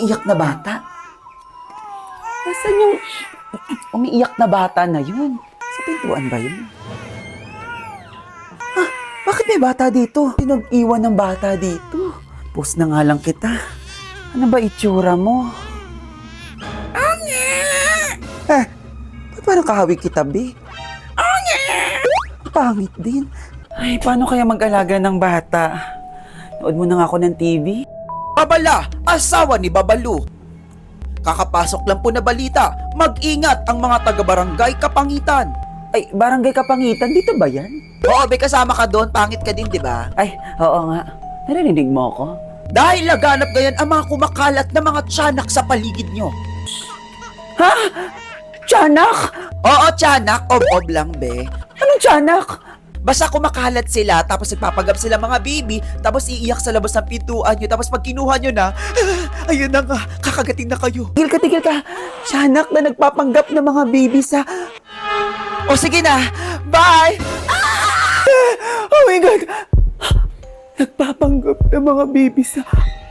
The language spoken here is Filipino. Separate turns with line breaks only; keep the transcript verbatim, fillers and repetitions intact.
umiiyak na bata? Nasaan yung umiiyak na bata na yun? Sa pintuan ba yun? Ah, bakit may bata dito? Pinag-iwan ng bata dito. Post na nga lang kita. Ano ba itsura mo? Eh, ba't parang kahawig kita, be? Ang pangit din. Ay, paano kaya mag-alaga ng bata? Nood mo na nga ako ng T V.
Babala, asawa ni Babalu. Kakapasok lang po na balita, mag-ingat ang mga taga-barangay Kapangitan.
Ay, barangay Kapangitan, dito ba yan?
Oo, be, kasama ka doon, pangit ka din, di ba?
Ay, oo nga. Narinig mo ako?
Dahil laganap ngayon ang mga kumakalat na mga tiyanak sa paligid nyo.
Ha? Tiyanak?
Oo, tiyanak, ob-ob lang, be.
Anong tiyanak?
Basta kumakalat sila, tapos nagpapagap sila mga baby, tapos iiyak sa labas ng pintuan nyo, tapos pag kinuha nyo na, ah, ayun na nga, kakagating na kayo.
Tigil ka, tigil ka. Tiyanak na nagpapanggap ng mga baby sa...
O sige na, bye!
Oh my God! Nagpapanggap ng mga baby sa...